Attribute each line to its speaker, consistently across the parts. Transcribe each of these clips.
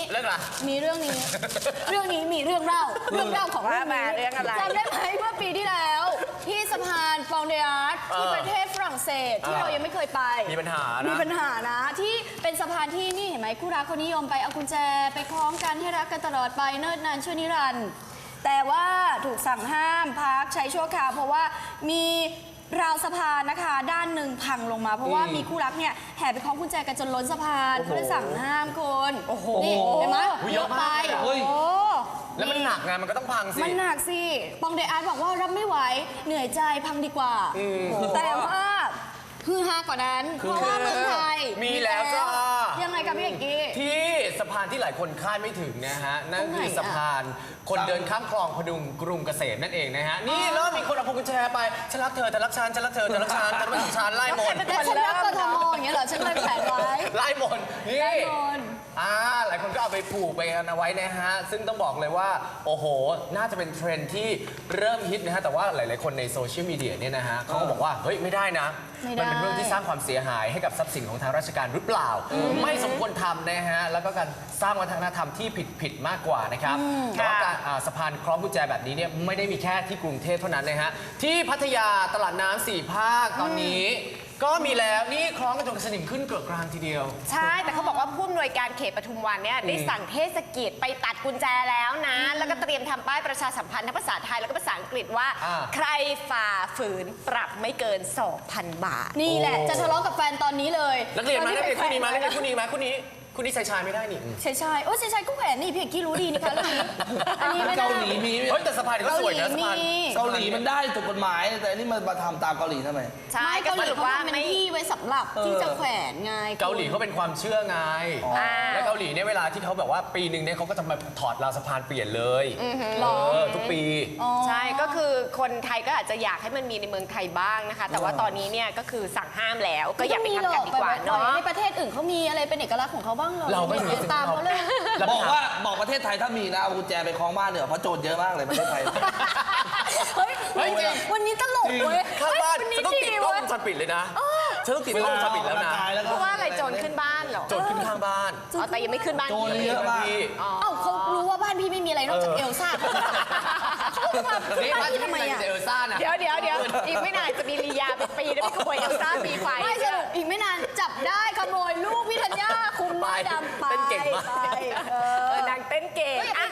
Speaker 1: เรื่องอะไร
Speaker 2: มีเรื่องนี้ เรื่องนี้มีเรื่องเล่าของเรื่องนี้
Speaker 3: เรื่องอะไร
Speaker 2: จำได้ไหมเมื่อปีที่แล้ว ที่สะพานฟองเดอาร์ตที่ประเทศฝรั่งเศสที่เรายังไม่เคยไป
Speaker 1: มีปัญหานะ
Speaker 2: ที่เป็นสะพานที่นี่เห็นไหมคู่รักคนนิยมไปเอากุญแจไปคล้องกันให้รักกันตลอดไปเนิ่นนานชั่วนิรันดร์แต่ว่าถูกสั่งห้ามพักใช้ชั่วคราวเพราะว่ามีราวสะพานนะคะด้านหนึ่งพังลงมาเพราะว่ามีคู่รักเนี่ยแห่ไปคล้องกุญแจกันจนล้นสะพานเขาเลยสั่งห้ามคนนี่เห็นไหมเยอะไป
Speaker 1: แล้วมันหนักไงมันก็ต้องพังสิ
Speaker 2: มันหนักสิปองเดอาร์ตบอกว่ารับไม่ไหวเหนื่อยใจพังดีกว่าแต่ว่าคือฮากว่านั้นเพราะว่าเมืองไทย
Speaker 1: มีแล้วจ้า
Speaker 2: ยังไงกับพี่เอกกี้
Speaker 1: ที่สะพานที่หลายคนคาดไม่ถึงนะฮะนั่นคือสะพานคนเดินข้ามคลองพดุงกรุงเกษมนั่นเองนะฮะนี่แล้วมีคนเอาพวงกุญแจไปฉันรักเธอเธอรักฉันฉันรักเธอเธอรักฉันฉันรักฉันไล่มน
Speaker 2: แต่ฉันรักกทมอย่างเงี้ยเหรอฉันเลยแขวนไว้
Speaker 1: ไล่มนนี่หลายคนก็เอาไปผูกไปกันเอาไว้นะฮะซึ่งต้องบอกเลยว่าโอ้โหน่าจะเป็นเทรนด์ที่เริ่มฮิตนะฮะแต่ว่าหลายๆคนในโซเชียลมีเดียเนี่ยนะฮะเขาก็บอกว่าเฮ้ยไม่ได้นะมันเป็นเรื่องที่สร้างความเสียหายให้กับทรัพย์สินของทางราชการหรือเปล่าไม่สมควรทำนะฮะแล้วก็การสร้างวัฒนธรรมที่ผิดมากกว่านะครับแต่ว่าการสะพานคล้องกุญแจแบบนี้เนี่ยไม่ได้มีแค่ที่กรุงเทพเท่านั้นนะฮะที่พัทยาตลาดน้ำ4 ภาคตอนนี้ก็มีแล้วนี่คล้องกันจนสนิมขึ้นเกือบกลางทีเดียว
Speaker 3: ใช่แต่เขาบอกว่าผู้อำนวยการเขตปทุมวันเนี่ยได้สั่งเทศกิจไปตัดกุญแจแล้วนะแล้วก็เตรียมทำป้ายประชาสัมพันธ์ทั้งภาษาไทยแล้วก็ภาษาอังกฤษว่าใครฝ่าฝืนปรับไม่เกิน 2,000 บาท
Speaker 2: นี่แหละจะทะเลาะกับแฟนตอนนี้เลย
Speaker 1: นักเรียนมานักเรียนคู่นี้มานักเรียนคู่นี้มาคู่นี้ชายไม่ได้นี่
Speaker 2: ชายโอ้ชายก็แขวนนี่พี่เอกกี้รู้ดีนี่คะเรื่องนี้อันนี้ไม่ได้
Speaker 4: เกาหลีมี
Speaker 1: เฮ้ยแต่สะพานก็สวยนะสะพาน
Speaker 4: เกาหลีมันได้ถูกกฎหมายแต่อันนี้มาทำตามเกาหลีทำไม
Speaker 3: ใช่ก็สรุปว่า
Speaker 2: ไม่ที่ไว้สำหรับที่จะแขวนไง
Speaker 1: เกาหลีเขาเป็นความเชื่อไงและเกาหลีเนี่ยเวลาที่เขาแบบว่าปีหนึ่งเนี่ยเขาก็จะมาถอดราวสะพานเปลี่ยนเลยทุกปี
Speaker 3: ใช่ก็คือคนไทยก็อาจจะอยากให้มันมีในเมืองไทยบ้างนะคะแต่ว่าตอนนี้เนี่ยก็คือสั่งห้ามแล้วก็อย่าไปทำกันดีกว่าเนาะ
Speaker 2: ในประเทศอื่นเขามีอะไรเป็นเอกลักษณ์ของเขาบ้างเหรอ
Speaker 1: เราก็
Speaker 2: ตามเขาเลย
Speaker 4: บอกประเทศไทยถ้ามีนะเอากุญแจไปคล้องบ้านเนี่ยเพราะโจรเยอะมากเลยประเทศไทย
Speaker 2: เฮ้ยวันนี้ตลกเว้ย
Speaker 1: ข้างบ้านฉันต้องติดกล้องวงจรปิดเลยนะฉันต้องติดกล้องวงจรปิดแล้วนะ
Speaker 3: เพราะว่าอะไรโจรขึ้นบ้านเหรอ
Speaker 1: โจรขึ้นข้างบ้าน
Speaker 3: แต่ยังไม่ขึ้นบ้าน
Speaker 4: โจรเยอะมาก
Speaker 2: เขารู้ว่าบ้านพี่ไม่มีอะไรนอกจากเอลซ่า
Speaker 1: นี่บ้านที่ทำไมเอลซ่านะ
Speaker 3: เดี๋ยวอีกไม่นานจะมีลียาเป็นปีแล้วพี่ขโมยเอลซ่าปีไฟ
Speaker 2: ไม่สรุปอีกไม่นานจับได้ขโมยลูกพี่ธัญญาคุมหน้าดำไป
Speaker 1: เต้นเก่งมาก
Speaker 3: นางเต้นเก่ง
Speaker 2: อ่ะ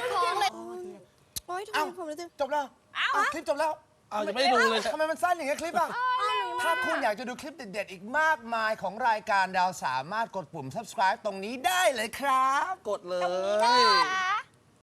Speaker 5: จบแล้วคลิปจบแล้ว
Speaker 4: จะไม่ดูเลย
Speaker 5: ทำไมมันสั้นอย่างเงี้ยคลิปอ่ะถ้าคุณอยากจะดูคลิปเด็ดๆอีกมากมายของรายการดาวสามารถกดปุ่ม subscribe ตรงนี้ได้เลยครับ
Speaker 4: กดเลย